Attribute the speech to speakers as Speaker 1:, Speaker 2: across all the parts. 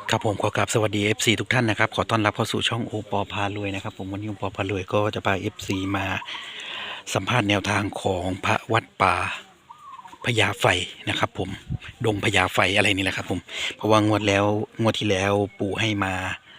Speaker 1: ครับผมขอกราบสวัสดี FC ทุกท่านนะครับขอต้อนรับเข้าสู่ช่องโอปอพารวยนะครับผมวันนี้โอปอพารวยก็จะพา FC มาสัมภาษณ์แนวทางของพระวัดป่าพญาไฟนะครับผมดงพญาไฟอะไรนี่แหละครับผมเพราะว่งวดที่แล้วปู่ให้มา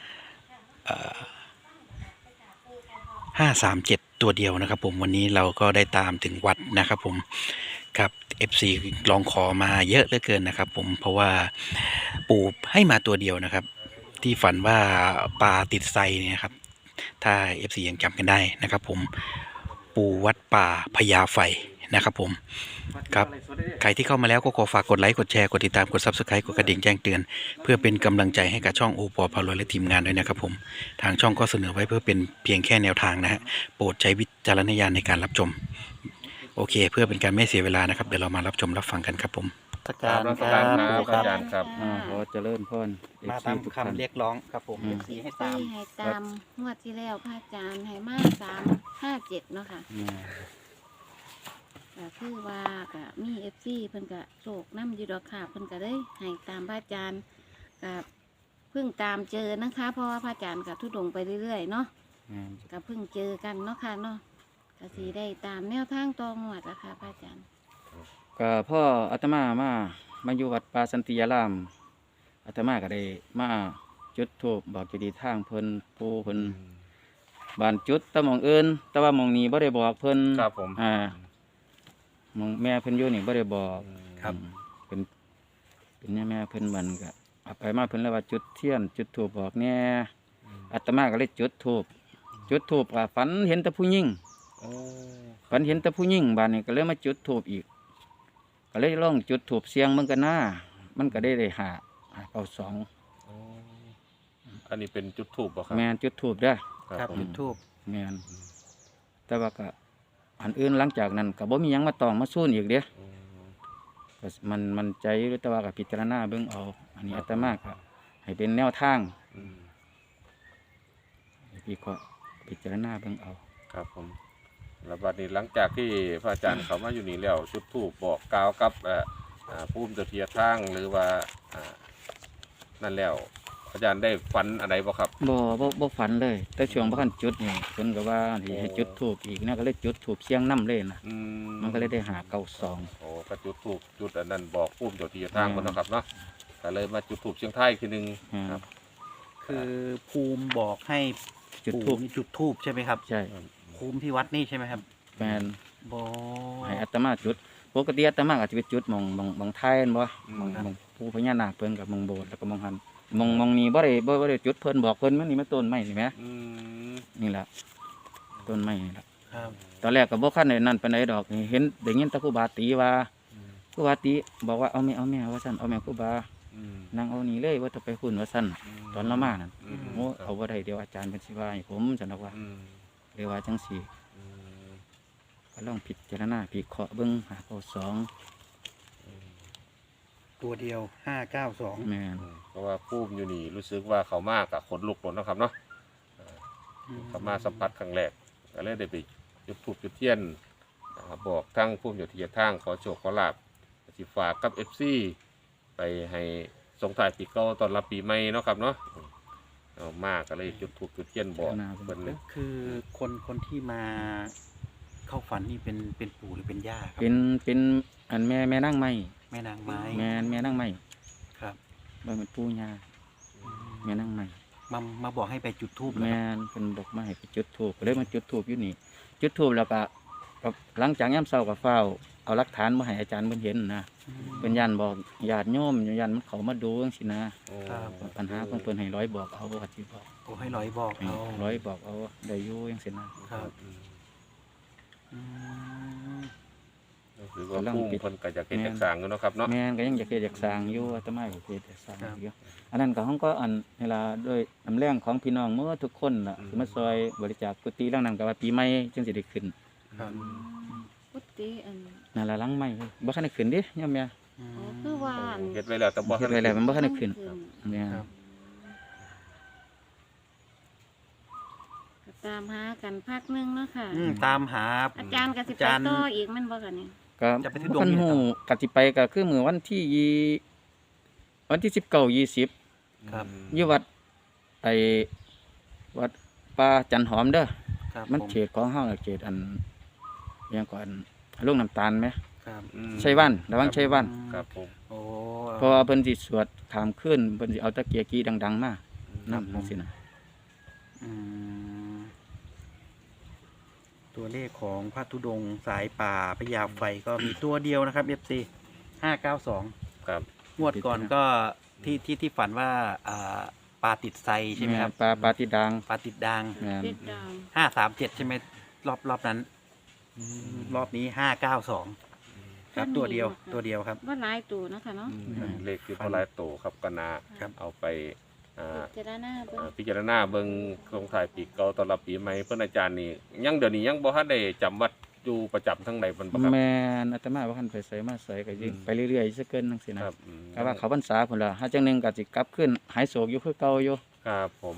Speaker 1: 537ตัวเดียวนะครับผมวันนี้เราก็ได้ตามถึงวัดนะครับผมครับ FC ลองขอมาเยอะเหลือเกินนะครับผมเพราะว่าปู่ให้มาตัวเดียวนะครับที่ฝันว่าปลาติดไซเนี่ยครับถ้า FC ยังจำกันได้นะครับผมปู่วัดป่าพญาไฟนะครับผมครับใครที่เข้ามาแล้วก็ขอฝากกดไลค์กดแชร์กดติดตามกด Subscribe กดกระดิ่งแจ้งเตือนเพื่อเป็นกำลังใจให้กับช่องโอปอพารวยและทีมงานด้วยนะครับผมทางช่องก็เสนอไว้เพื่อเป็นเพียงแค่แนวทางนะฮะโปรดใช้วิจารณญาณในการรับชมโอเคเพื่อเป็นการไม่เสียเวลานะครับเดี๋ยวเรามารับชมรับฟังกันครับผมสักการค
Speaker 2: ค
Speaker 1: รั
Speaker 2: รั
Speaker 1: บบ ปู่ค
Speaker 2: อา
Speaker 1: รับ
Speaker 2: จารย์ครับ
Speaker 3: ขอเจริญพร
Speaker 1: มา
Speaker 3: FC
Speaker 1: ตาม
Speaker 3: ทุกท่าน
Speaker 1: คำเรียกร้องครับผม
Speaker 3: FC
Speaker 1: ให้
Speaker 4: ตา
Speaker 1: ตาม
Speaker 4: ให้ตามงวดที่แล้วพระอาจารย์ให้มา357เนาะค่ะก็คือว่าก็มีFCเพิ่นก็โศกน้ำอยู่ดอกค่ะเพิ่นก็ได้ให้ตามพระอาจารย์ก็เพิ่งตามเจอนะคะ เพราะว่าพระอาจารย์ก็ทุดงไปเรื่อยๆเนาะก็เพิ่งเจอกันเนาะค่ะเนาะก็สิได้ตามแนวทางตองวดอะค่ะพระอาจารย์
Speaker 3: ก็พ่ออาตมาอยู่วัดป่าสันติยารามอาตมาก็ได้มาจุดธูปบอกเจดีย์ทางเพิ่นปู่เพิ่นบ้านจุดแตะมองอื่นแต่ว่าหมองนี้บ่ได้บอกเพิ่น
Speaker 2: ครับผม
Speaker 3: หมองแม่เพิ่นอยู่นี่บ่ได้บอก
Speaker 1: ครับ
Speaker 3: เป็นแม่เพิ่นมันก็เอาไปมาเพิ่นเลยว่าจุดเทียนจุดธูปบอกแน่อาตมาก็เลยจุดธูปก็ฝันเห็นแต่ผู้หญิง
Speaker 2: โอ้
Speaker 3: ฝันเห็นแต่ผู้หญิงบ้านนี้ก็เลยมาจุดธูปอีกก็เลยลองจุดธูปเสียงมันก็น่ามันก็ได้หาเอาสอง
Speaker 2: โอ้อันนี้เป็นจุดถูกป่ะครับ
Speaker 3: แมนจุดธูปเด้อ
Speaker 1: ครับ
Speaker 2: ผม
Speaker 1: จุดทูบ
Speaker 3: แมนแต่ว่าก็อันอื่นหลังจากนั้นก็บ่มีหยังมาตองมาสู้อีกเด้อ
Speaker 2: อืม
Speaker 3: ก็มันใจอยู่แต่ว่าก็พิจารณาเบิ่งเอาอันนี้อาตมาก็ให้เป็นแนวทาง
Speaker 2: อืม
Speaker 3: ให้พี่ก็พิจารณาเบิ่งเอา
Speaker 2: ครับผมแล้วบัดนี้หลังจากที่พระอาจารย์เขามาอยู่นี่แล้วจุดถูกบอกกล่าวกับผู้มเจ้าที่ทางหรือว่านั่นแล้วพระอาจารย์ได้ฝันอะไรบ่ครับ
Speaker 3: บ่ฝันเลย แต่ช่วงบ่คันจุดนี่เพิ่นก็ว่าสิให้จุดธูปอีกนะก็เลยจุดธูปเสียงนำเลยนะ
Speaker 2: อื
Speaker 3: มันก็เลยได้หาเก้าสอง
Speaker 2: โอ้ก็จุดถูกจุดอันนั้นบอกผู้มเจ้าที่ทางคนนะครับเนาะก็เลยมาจุดถูกเชียงไทยทีหนึงครับ
Speaker 1: คือภูมิบอกให้
Speaker 3: จุด
Speaker 1: ปู่
Speaker 3: ธูป
Speaker 1: นี่จุดทูบใช่ไหมครับ
Speaker 3: ใช่
Speaker 1: ภูมิที่วัดนี่ใช่ไหมครับ
Speaker 3: แมน
Speaker 1: บอ
Speaker 3: ให้อาตมาจุดปกติอาตมาอาจจะไปจุดมองไทยนั่นบ่
Speaker 2: อืม
Speaker 3: มองผู้พญานาคเพิ่นกับมองโบสถ์แล้วก็มองหันมองนี้บ่ได้จุดเพิ่นบอกเพิ่นมันนี่มันต้นไม้นี่แหม
Speaker 2: อืม
Speaker 3: นี่ล่ะต้นไม้นี่ล่ะ
Speaker 1: ครับ
Speaker 3: ตอนแรกก็บ่คันได้นั่นปานใดดอกนี่เห็นได้ยินแตะครูบาตีว่าครูบาตีบอกว่าเอาแม่ว่าซั่นเอาแม่ครูบา
Speaker 2: อืม
Speaker 3: นั่งเอานี่เลยว่าจะไปหุ่นว่าซั่นตอนละมานั่น
Speaker 2: ม
Speaker 3: โอ้เอาบ่ได้เดี๋ยวอาจารย์เพิ่นสิว่าให้ผมซั่นดอกว่า
Speaker 2: อืม
Speaker 3: เลยว่าจังซี่
Speaker 2: อืม
Speaker 3: ก็ลองพิจารณาพิเคราะห์เบิ่งหาข้อสอง
Speaker 1: ตัวเดียว592
Speaker 3: แม่น
Speaker 2: เพราะว่าผู้มอยู่นี่รู้สึกว่าเขามากกับขนลุกหมดนะครับเนาะเขามาสัมผัสครั้งแรกก็เลยได้ไปจุดธูปจุดเทียนบอกทั้งผู้มอยู่ที่ทางขอโชคขอลาบสิฝากกับFC ไปให้ส่งถ่ายปีเก่าตอนรับปีใหม่เนาะครับเนาะเอามากก็เลยจุดธูปจุดเทียนบอกเพิ่นเลย
Speaker 1: คือคนที่มาเข้าฝันนี่เป็นปู่หรือเป็นย่าครับ
Speaker 3: เป็นอันแม่นั่งไม้
Speaker 1: แม่นางไม้
Speaker 3: แม่นั่งไม้
Speaker 1: ครับ
Speaker 3: บ่แม่นปู่ย่าแม่นั่งไม้
Speaker 1: มาบอกให้ไปจุดทูบ
Speaker 3: แม่นเพิ่นบอกมาให้ไปจุดธูปก็เลยมาจุดธูปอยู่นี่ จุดธูปแล้วก็หลังจากยามเช้าก็เฝ้าเอาหลักฐานมาให้อาจารย์เพิ่นเห็นนะเพิ่นยันบอกญาติโยมยันมันเขามาดูจังซี่นะ
Speaker 2: โอ้
Speaker 3: ปัญหาของเพิ่นให้ร้อยบอกเอาว่าสิบอก
Speaker 1: โอ้ให้ร้อยบอกเอา
Speaker 3: ร้อยบอกเอาได้อยู่จังซี่นะครับ
Speaker 1: อืม
Speaker 2: หรือว่าผู้เพิ่นก็จะเก็บจักสร้างอยู่เนาะครับเนาะ
Speaker 3: แม่นก็ยังอยากเฮ็ดอยากสร้างอยู่อาตมาก็เฮ็ดอยากสร้างอยู่อันนั้นก็เฮาก็อันเวลาด้วยน้ำแรงของพี่น้องเมื่อทุกคนล่ะสิมาซอยบริจาคกุฏิหลังนั้นก็ว่าปีใหม่จึงสิได้ขึ้น
Speaker 1: ครับ
Speaker 4: พุทธิอัน
Speaker 3: นั่นล่ะหลังใหม่บ่ทันได้ขึ้นเด้ยามแม่
Speaker 1: อืม
Speaker 4: อ๋อคือว่าอัน
Speaker 2: เฮ็ดไว้แล้วแต่บ่
Speaker 3: เฮ็
Speaker 2: ทั
Speaker 3: ด
Speaker 2: น
Speaker 3: ไว้แล้วมันบ่ทันได้
Speaker 4: มั
Speaker 3: ขึ้น
Speaker 4: ขึ้น
Speaker 3: แม่น
Speaker 1: ครับ
Speaker 4: ก็ตามหากันพักหนึงเนาะค่ะ
Speaker 1: ตามหา
Speaker 4: อาจารย์ก็สิ
Speaker 1: อา
Speaker 4: ไป
Speaker 1: จารย์
Speaker 4: ต่ออีกแมันบ่กันเนี่ย
Speaker 3: ก็
Speaker 1: จะไปทุดง
Speaker 3: คัน
Speaker 1: นี่
Speaker 3: ฮู้
Speaker 1: ครับ
Speaker 3: ก็สิไปก็คือมื้อวันที่20
Speaker 1: ครับ
Speaker 3: อยู่วัดไอ้วัดป่าจันหอมเด้อ
Speaker 1: ครับ
Speaker 3: มัน
Speaker 1: ผ
Speaker 3: เขตของเฮาน่ะเขตอันอิหยังก่อนลุงน้ำตาลไหม
Speaker 1: ครับ
Speaker 3: ชัยวันระวังชัยวัน
Speaker 2: ครับผม
Speaker 1: โอ้
Speaker 3: เพราะว่าเพิ่นสิสวดขามขึ้นเพิ่นสิเอาตะเกียกีดังๆมานำจังซี่นะ
Speaker 1: อืมตัวเลขของพระธุดงค์สายป่าพญาไฟก็มีตัวเดียวนะครับ FC 592
Speaker 2: ครับ
Speaker 1: งวดก่อนก็ที่ฝันว่าปลาติดไซใช่ไหมครับ
Speaker 3: ปลาที่ดัง
Speaker 1: ปลาติดด่าง
Speaker 3: แม่น
Speaker 4: ติดดาว
Speaker 1: 537 ใช่ไหมรอบนั้นรอบนี้592ครับตัวเดียวครับ
Speaker 4: ว่าหลายตัวเนาะคะเนาะ
Speaker 2: เลขคือพลายโตครับก็นา
Speaker 1: ครับ
Speaker 2: เอาไป
Speaker 4: พิจารณาเบิ่ง
Speaker 2: พิจารณาเบิ่งโครงถ่ายปีเก่าตอนรับปีใหม่เพิ่นอาจารย์นี่ยังเดี๋ยวนี้ยังบ่ทันได้จำวัดอยู่ประจำทั้งใดเพิ่นบ่ครับ
Speaker 3: แม่นอาตมาว่าคันไปไสมาไสก็ยิ่งไปเรื่อยๆซะเกินจังซี่นะครับ ก็ว่าเขาพรรษาพุ่นล่ะหาจังหนึงก็สิกลับขึ้นหายโศกอยู่คือเก่าอยู่
Speaker 2: ครับผม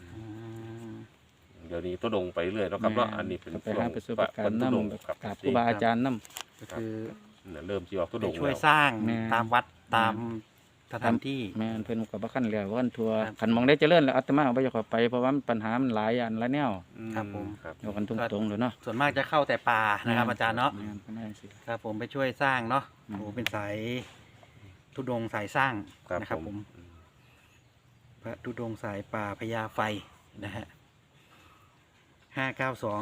Speaker 2: เดี๋ยวนี้ตุดงไปเรื่อยเนาะครับเนาะอันนี้เป็น
Speaker 3: ก็ไปหาประสบการณ์
Speaker 2: ตุดง
Speaker 3: นำ
Speaker 2: ครับ
Speaker 3: กับครูบาอาจารย์นำ
Speaker 1: ก็คือ
Speaker 2: เริ่มสิออกตุ
Speaker 1: ไป
Speaker 2: ดง
Speaker 1: ช่วย
Speaker 2: แล้ว
Speaker 1: สร้าง
Speaker 3: แม่
Speaker 1: ตามวัดตามสถานที่
Speaker 3: แม่นเพิ่นก็บ่คันแล้ววันทัวร์
Speaker 1: ครับ
Speaker 3: คันมองได้เจริญแล้วอาตมาก็บ่อยากเข้าไปเพราะว่ามันปัญหามันหลายอันหลายแนว
Speaker 1: ครับผม
Speaker 2: ครับ
Speaker 3: เอากันตรงๆเลยเนาะ
Speaker 1: ส่วนมากจะเข้าแต่ป่านะครับอาจารย์เนาะ
Speaker 3: แม่นประมาณสิ
Speaker 1: ครับผมไปช่วยสร้างเนาะ
Speaker 3: อืม
Speaker 1: โอ้เป็นสายธุดงค์สายสร้าง
Speaker 2: ครับ
Speaker 1: นะครับ
Speaker 2: ผ
Speaker 1: ผม มพระธุดงค์สายป่าพญาไฟนะฮะ592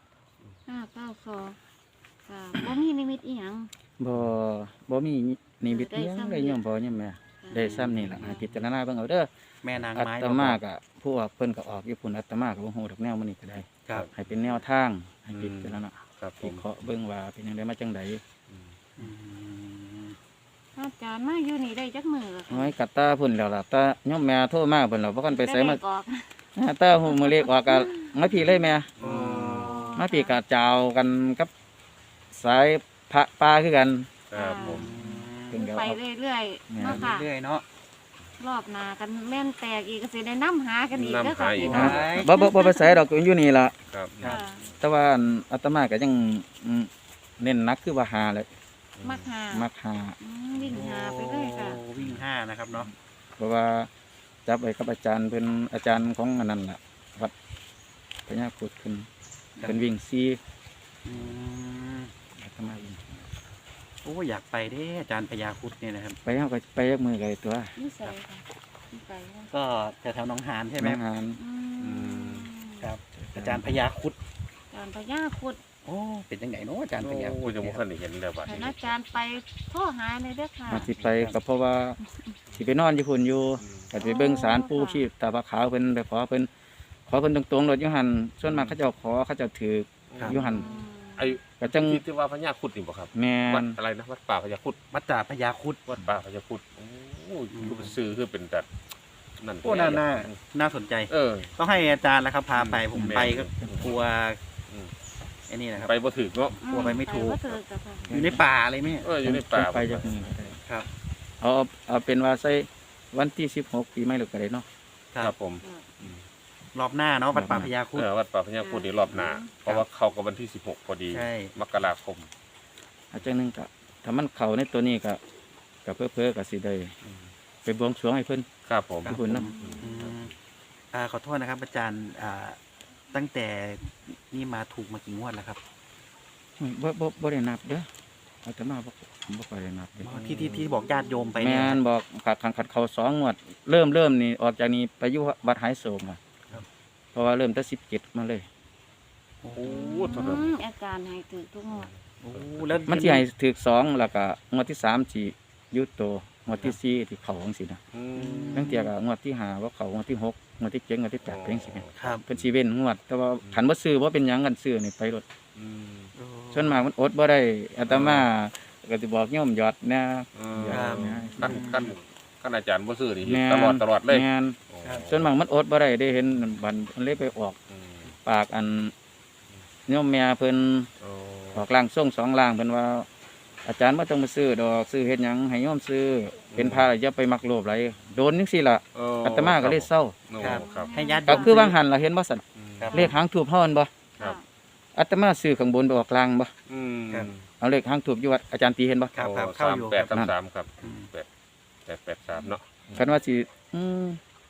Speaker 4: 592ค่ะบ่มีนิมิตอีหยัง
Speaker 3: บ่มีนิมิตอิหยังเลยโยมพ่อโยมแม่ได้ซ้ำนี่ล่ะให้พิจารณาเบิ่งเอาเด้อ
Speaker 1: แม่นาง
Speaker 3: อา
Speaker 1: ไม้
Speaker 3: ตมาก็พวกเพิ่นก็ออกอยู่พุ่นอาตมาก็บ่ฮู้ดอกแนวมื้อนี้ก็ได้
Speaker 1: ครับ
Speaker 3: ให้เป็นแนวทางให้พิจารณา
Speaker 2: ครับผ
Speaker 3: วิ
Speaker 2: ม
Speaker 3: เคราะห์เบิ่งว่าเป็นจังไดมาจังได
Speaker 1: อืม
Speaker 4: อาจารย์มาอยู่นี่ได้จักมื้อละ
Speaker 3: น้อยกัดตาพุ่นแล้วล่ะตาโยมแม่โทรมาเพิ่นแล้วบ่คันไปไสมา
Speaker 4: ด้เลขออก
Speaker 3: ตาฮู้มื้อเลขออกก็มาพี่เลยแม่
Speaker 1: โอ้
Speaker 3: มาพี่ก็เจ้ากันกับสายพระป่าคือกัน
Speaker 2: ครับผม
Speaker 3: เพิ่นก็
Speaker 4: ไป
Speaker 3: เอา
Speaker 4: เรื่อยๆเนาะค่ะ
Speaker 1: เรื่อยๆเนาะ
Speaker 4: รอบหน้ากันแม่นแตกอีกก็สิได้นํหากันอีกเด้อค่ะ
Speaker 2: นำหาอีก
Speaker 4: พี่น้อง
Speaker 3: บ่ไปไสดอกอยู่นี่ล่ะ
Speaker 2: ครับ
Speaker 4: ค่ะ
Speaker 3: แต่ว่าอาตมาก็ยังเน้นหนักคือว่าหาเลย
Speaker 4: มักหา
Speaker 3: มักหา
Speaker 4: วิ่งหาไปเลยค่ะ
Speaker 1: โอ้วิ่ง5นะครับเนาะ
Speaker 3: เพราะว่าจับไว้กับอาจารย์เพิ่นอาจารย์ของอันนั้นล่ะวัดพญาครุฑเพิ่นเป็นวิ่งซี
Speaker 1: อืม
Speaker 3: อาตมาวิ่ง
Speaker 1: โอ้อยากไปเด้อาจารย์พญาครุฑเนี่ยนะครับ
Speaker 3: ไปเฮาก็ไปยักมือไกลตัว
Speaker 4: นี่ใส่ค่ะนี่ใส่ค่ะ
Speaker 1: ก็แถวๆหนองหานใช่ไหม
Speaker 3: น้องหาน
Speaker 1: ครับ อาจารย์พญาครุฑ
Speaker 4: การพญาคุด
Speaker 1: โอ้เป็นยังไงเนาะอาจารย์พญาค
Speaker 2: โอ้
Speaker 1: รุฑ
Speaker 2: ยังบ่
Speaker 1: เนี่ย
Speaker 2: ทันได้เห็นเลยบัด
Speaker 4: ให้
Speaker 2: นี้
Speaker 4: อาจารย์ไปโทรหาเลยเด้อค่ะ
Speaker 3: มาสิไปก็เพราะว่าสิไปนอนอยู่พุ่นอยู่ก็สิไปเบิ่งศาลปู่ชีพตาพระขาวเพิ่นไปขอเพิ่นตรงๆรถอยู่หั่นส่วนมากเขาเจ้าขอเขาเจ้าถืออยู่หั่น
Speaker 2: ไอ้
Speaker 3: ก็จัง
Speaker 2: ที่ว่าพญาครุฑนี่บ่ครับ
Speaker 3: แม่
Speaker 2: วัด
Speaker 3: น
Speaker 2: อะไรนะวัดป่าพญาครุฑ
Speaker 1: วัดจ่าพญาครุฑ
Speaker 2: วัดป่าพญาครุฑโอ้คือเป็นซื้อคือเป็นแต่นั่น
Speaker 1: โอ้น่าสนใจ
Speaker 2: เออ
Speaker 1: ต้องให้อาจารย์แล้วครับพาไปผม
Speaker 2: แม่
Speaker 1: ไปก็กลัว
Speaker 2: อืม
Speaker 1: ไอ้นี่นะครับ
Speaker 2: ไปบ่ถึกเนาะ
Speaker 1: กลัวไปไม่ถูก
Speaker 4: ไปบ่ถูกค่ะ
Speaker 1: อยู่ในป่าเลยไหม
Speaker 2: เอออยู่ในป่า
Speaker 3: ไปจักมือก็ได้
Speaker 1: ครับ
Speaker 3: เอาเป็นว่าใส่วันที่16ปีใหม่หรือก็ได้เนาะ
Speaker 2: ครับผม
Speaker 1: รอบหน้าเนาะวัดป่าพญาครุฑ
Speaker 2: วัดป่าพญาครุฑนี่รอบหน้าเพราะว่าเข้ากับวันที่16พอดี
Speaker 1: ใช่
Speaker 2: มกราคม
Speaker 3: อาจารย์นึงก็ถ้ามันเข้าในตัวนี้ก็เพ้อๆก็สิได้ไปบวงสรวงให้เพิ่น
Speaker 2: ครับผม
Speaker 3: ขอบคุณนะ
Speaker 1: อืมขอโทษนะครับ อาจารย์ตั้งแต่นี่มาถูกมากี่งวดแล้วครับ
Speaker 3: บ่ได้นับเด้ออาตมาบ่ค่อยได้นับเด้อ
Speaker 1: ที่บอกญาติโยมไป
Speaker 3: แม่
Speaker 1: เนี่ย
Speaker 3: นบอกขัดเขา2งวดเริ่มนี่ออกจากนี้ไปอยู่วัดหายโศกอ่ะ
Speaker 1: ครับ
Speaker 3: เพราะว่าเริ่มแต่17มาเลย
Speaker 1: โอ้
Speaker 2: โอ้เท่านั้น
Speaker 4: อาจารย์ให้ถือทุกงวด
Speaker 1: โหแล้ว
Speaker 3: มันสิให้ถึก2แล้วก็งวดที่3สิอยู่โตงวดที่4ที่เข้าจังซี่นะ
Speaker 2: อืม
Speaker 3: ตั้งแต่ก็งวดที่5ว่าเข้างวดที่6งวดที่7งวดที่8เป็นจังซี่แม่น
Speaker 1: ครับ
Speaker 3: เพิ่นสิเว้นงวด แต่ว่าขันบ่ซื้อบ่เป็นหยังกันซื้อนี่ไปรถ
Speaker 2: อืม
Speaker 3: ส่วนมากมันอดบ่ได้อาตมาก็สิบอกโยมหยอดนะ หยอดนะ
Speaker 2: ขั้นอาจารย์บ่ซื้อนี่
Speaker 3: แม่น
Speaker 2: ตลอดเลย
Speaker 3: แม่น
Speaker 2: โอ้
Speaker 3: ส่วนมากมันอดบ่ได้ได้เห็นบันมันเลยไปออก
Speaker 2: อืม
Speaker 3: ปากอันโยมแม่เพิ่น
Speaker 2: โอ้
Speaker 3: ออกล่างส่ง2ล่างเพิ่นว่า อาจารย์บ่ต้องมาซื้อดอกซื้อเฮ็ดหยังให้โยมซื้อเป็นพระอย่าไปมักโลภหลายโดนจังซี่ล่ะอาตมาก็เลยเศร้า
Speaker 2: โอ้
Speaker 1: ครับ
Speaker 2: ครับ
Speaker 1: ให้ญาติโย
Speaker 3: ก็
Speaker 1: ม
Speaker 3: คือวางหันล่ะเห็นบ่ซั่น
Speaker 1: ครับ
Speaker 3: เลขหางทูบเฮานั่นบ่
Speaker 2: ครับ
Speaker 3: อาตมาซื้อข้างบนไปออกกลางบ่
Speaker 2: อืม
Speaker 1: ครับ
Speaker 3: เอาเลขหางทูบอยู่วัดอาจารย์ตีเห็นบ่
Speaker 1: ครับครับเข้าอยู่
Speaker 2: แปด
Speaker 1: ครับ
Speaker 2: สามครับ
Speaker 1: อืม
Speaker 2: แปด3เนาะ
Speaker 3: คันว่าสิ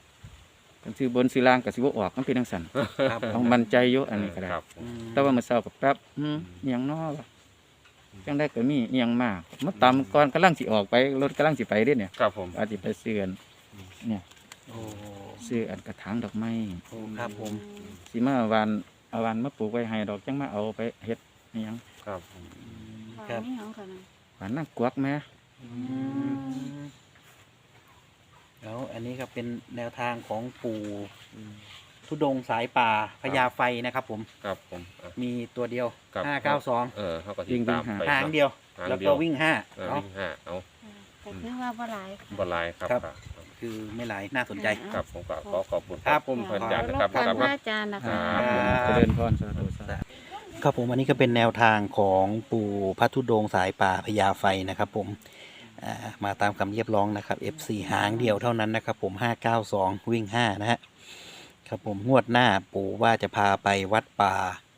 Speaker 3: กันซื้อบนซื้อล่างก็สิบ่ออกมันเป็นจังซั่น
Speaker 1: ครับผ
Speaker 3: ต้อ
Speaker 1: ม
Speaker 3: งมั่นใจอยู่อันนี้ก็ได้
Speaker 2: ครับผม
Speaker 3: แต่ว่ามื้อเช้าก็แป๊บอิหยังน้อวะจังได้ก็มีอิหยังมากมาตามก่อนกำลังสิออกไปรถกำลังสิไปเด้เนี่ย
Speaker 2: ครับผม
Speaker 3: อาจสิไปซื้ออันเนี่ย
Speaker 1: โอ้
Speaker 3: ซื้ออันกระถางดอกไม้
Speaker 1: โอ้ครับผม
Speaker 3: สิมาหวานเอาหวานมาปลูกไว้ให้ดอกจังมาเอาไปเฮ็ดอิหยัง
Speaker 2: ครับผม
Speaker 1: ครับ
Speaker 4: นี่ของเขานะ
Speaker 3: หวานนางกวักแม่
Speaker 1: แล้วอันนี้ก็เป็นแนวทางของปู่ทุดงค์สายป่าพญาไฟนะครับผม
Speaker 2: ครับผมอ่ะ
Speaker 1: มีตัวเดียว
Speaker 2: ครับ
Speaker 1: 592
Speaker 2: เขาก็ติดตามไป
Speaker 1: หางเดียว
Speaker 2: หาง
Speaker 1: แล้ว
Speaker 2: เดี
Speaker 1: ก็
Speaker 2: ยว
Speaker 1: วิ่ง
Speaker 2: เออ
Speaker 1: 5เนาะ
Speaker 2: วิ่งห้าเอา
Speaker 4: แต่คือว่าบ่หลาย
Speaker 2: บอลไลน์ครับ
Speaker 1: ครับ
Speaker 2: ครับ
Speaker 1: คือไม่หลายน่าสนใจ
Speaker 2: ครับผมก็ขอขอบคุณ
Speaker 1: ครับ
Speaker 2: ผมพระอาจารย์
Speaker 4: ร
Speaker 2: นะ
Speaker 4: บ
Speaker 2: ครับ
Speaker 4: กวน
Speaker 2: ครับ
Speaker 4: พระอาจารย์นะคะ
Speaker 3: เจริญพรสาธุสาธุ
Speaker 1: ครับผมอันนี้ก็เป็นแนวทางของปู่พระธุดงค์สายป่าพญาไฟนะครับผมมาตามคำเรียบร้องนะครับ F4 หางเดียวเท่านั้นนะครับผม592วิ่ง5นะฮะครับผมงวดหน้าปู่ว่าจะพาไปวัดป่า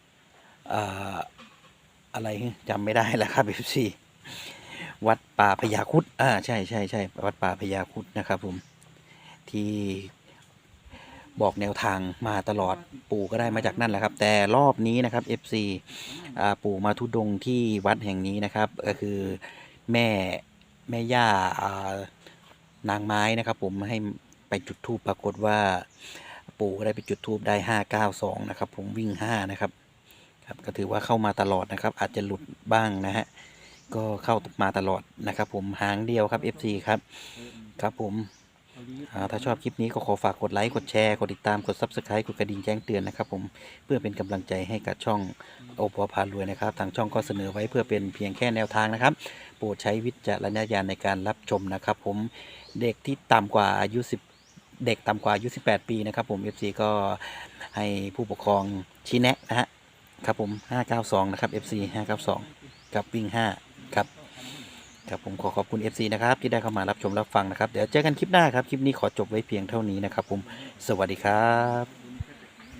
Speaker 1: อะไรจำไม่ได้แล้วครับ F4 วัดป่าพญาครุฑใช่ใช่ใช่วัดป่าพญาครุฑนะครับผมที่บอกแนวทางมาตลอดปู่ก็ได้มาจากนั่นแหละครับ แต่รอบนี้นะครับ FC ปู่มาทุดงค์ที่วัดแห่งนี้นะครับ ก็คือแม่ย่านางไม้นะครับ ผมให้ไปจุดธูปปรากฏว่าปู่ก็ได้ไปจุดธูปได้592นะครับ ผมวิ่ง5นะครับครับก็ถือว่าเข้ามาตลอดนะครับ อาจจะหลุดบ้างนะฮะก็เข้ามาตลอดนะครับ ผมหางเดียวครับ FC ครับครับผมถ้าชอบคลิปนี้ก็ขอฝากกดไลค์กดแชร์กดติดตามกด Subscribe กดกระดิ่งแจ้งเตือนนะครับ ผมเพื่อเป็นกำลังใจให้กับช่องโอปอพารวยนะครับทางช่องก็เสนอไว้เพื่อเป็นเพียงแค่แนวทางนะครับโปรดใช้วิจารณญาณในการรับชมนะครับ ผมเด็กที่ต่ำกว่าอายุ10เด็กต่ำกว่าอายุ18 ปีนะครับผม FC ก็ให้ผู้ปกครองชี้แนะนะฮะครับผม592นะครับ FC 592กับวิ่ง5ครับครับผมขอบคุณ FC นะครับที่ได้เข้ามารับชมรับฟังนะครับเดี๋ยวเจอกันคลิปหน้าครับคลิปนี้ขอจบไว้เพียงเท่านี้นะครับผมสวัสดีครับ